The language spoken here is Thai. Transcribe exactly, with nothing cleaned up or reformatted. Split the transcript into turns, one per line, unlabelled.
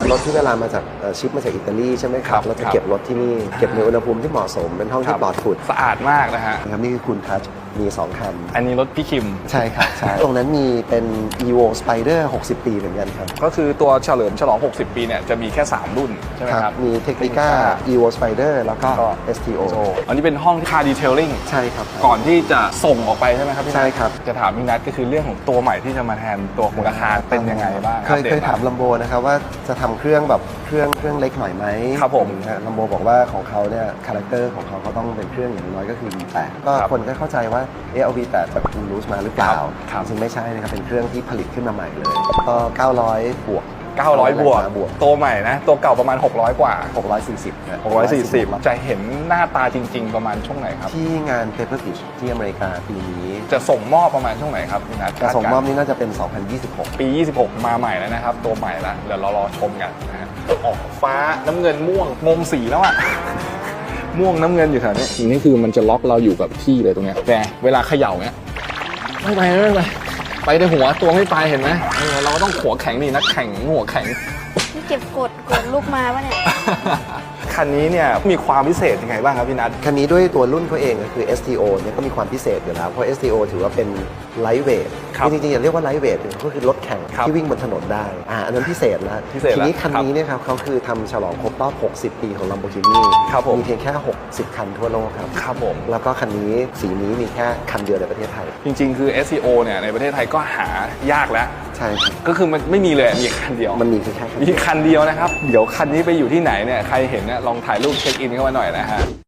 รถที่เวลามาจากชิปมาจากอิตาลีใช่ไหมครับเราจะเก็บรถที่นี่เก็บในอุณหภูมิที่เหมาะสมเป็นห้องที่ปลอดฝุ่น
สะอาดมากนะฮะ
นะครับนี่คือคุณทัชมีสองคัน
อันนี้รถพี่คิม
ใช่ครับใช่ตรงนั้นมีเป็น Evo Spider หกสิบปีเหมือนกันครับ
ก็คือตัวเฉลิมฉลองหกสิบปีเนี่ยจะมีแค่สามรุ่นใช่ไหมครับ
มี Technica Evo Spider แล้วก็ เอส ที โอ
อันนี้เป็นห้องคาร์ดีเทลลิ่ง
ใช่ครับ
ก่อนที่จะส่งออกไปใช่ไหมครับ
ใช่ครับ
จะถามพี่นัทก็คือเรื่องของตัวใหม่ที่จะมาแทนตัวมูลค่าเป็นยังไงบ้าง
เคยเคยถามลัมโบนะครับว่าจะทำเครื่องแบบเครื่องเครื่องเล็กหน่อยไหม
ครับผม
ลัมโบบอกว่าของเขาเนี่ยคาแรคเตอร์ของเขาเขาต้องเป็นเครื่องอย่างน้อยก็คือ วี แปด ก็คนก็เข้าใจว่าเออเอา วี แปด แบบอูรูสมาหรือเปล่าจริงไม่ใช่นะครับเป็นเครื่องที่ผลิตขึ้นมาใหม่เลยก็เก้าร้อยบวก
เก้าร้อยบวกตัวใหม่นะตัวเก่าประมาณหกร้อยกว่า
หกร้อยสี่สิบ
หกร้อยสี่สิบจะเห็นหน้าตาจริงๆประมาณช่วงไหนครับ
ที่งาน Paper Beach ที่อเมริกาปีนี้
จะส่งมอบประมาณช่วงไหนครับพี่นัท
จะส่งมอบนี่น่าจะเป็นสองพันยี่สิบหก
ปียี่สิบหกมาใหม่แล้วนะครับตัวใหม่แล้วเดี๋ยวเรารอชมกันนะฮะออกฟ้าน้ำเงินม่วงงงสีแล้วอะม่วงน้ำเงินอยู่แถวนี้นี่คือมันจะล็อกเราอยู่กับที่เลยตรงเนี้ยแต่เวลาเขย่าเนี้ยไม่ไปไม่ไปไปในหัวตัวไม่ไปเห็นไหมเราก็ต้องหัวแข็งนี่นักแข่งหัวแข็ง
นี่เก็บกดกดลูกมาปะเนี่ย
คันนี้เนี่ยมีความพิเศษยังไงบ้างครับพี่นัท
คันนี้ด้วยตัวรุ่นเขาเองก็คือ เอส ที โอ เนี่ยก็มีความพิเศษอยู่แล้วเพราะ เอส ที โอ ถือว่าเป็นไลท์เวทจริงๆอย่าเรียกว่าไลท์เวทก็คือรถแข่งที่วิ่งบนถนนได้อ่าอันนั้นพิเศษแล้วทีนี้คันนี้เนี่ยครับเขาคือทำฉลองครบรอบหกสิบปีของ Lamborghini มีเพียงแค่หกสิบคันทั่วโลกครับ
ครับผม
แล้วก็คันนี้สีนี้มีแค่คันเดียวในประเทศไทย
จริงๆคือ เอส ที โอ เนี่ยในประเทศไทยก็หายากแล้ว
ใช่
ก็คือมันไม่มีเลยมีคันเดียว
มันมีแค่
มีคันเดียวนะครับเดี๋ยวคันนี้ไปอยู่ที่ไหนเนี่ยใครเห็นเนี่ยลองถ่ายรูปเช็คอินเข้ามาหน่อยนะฮะ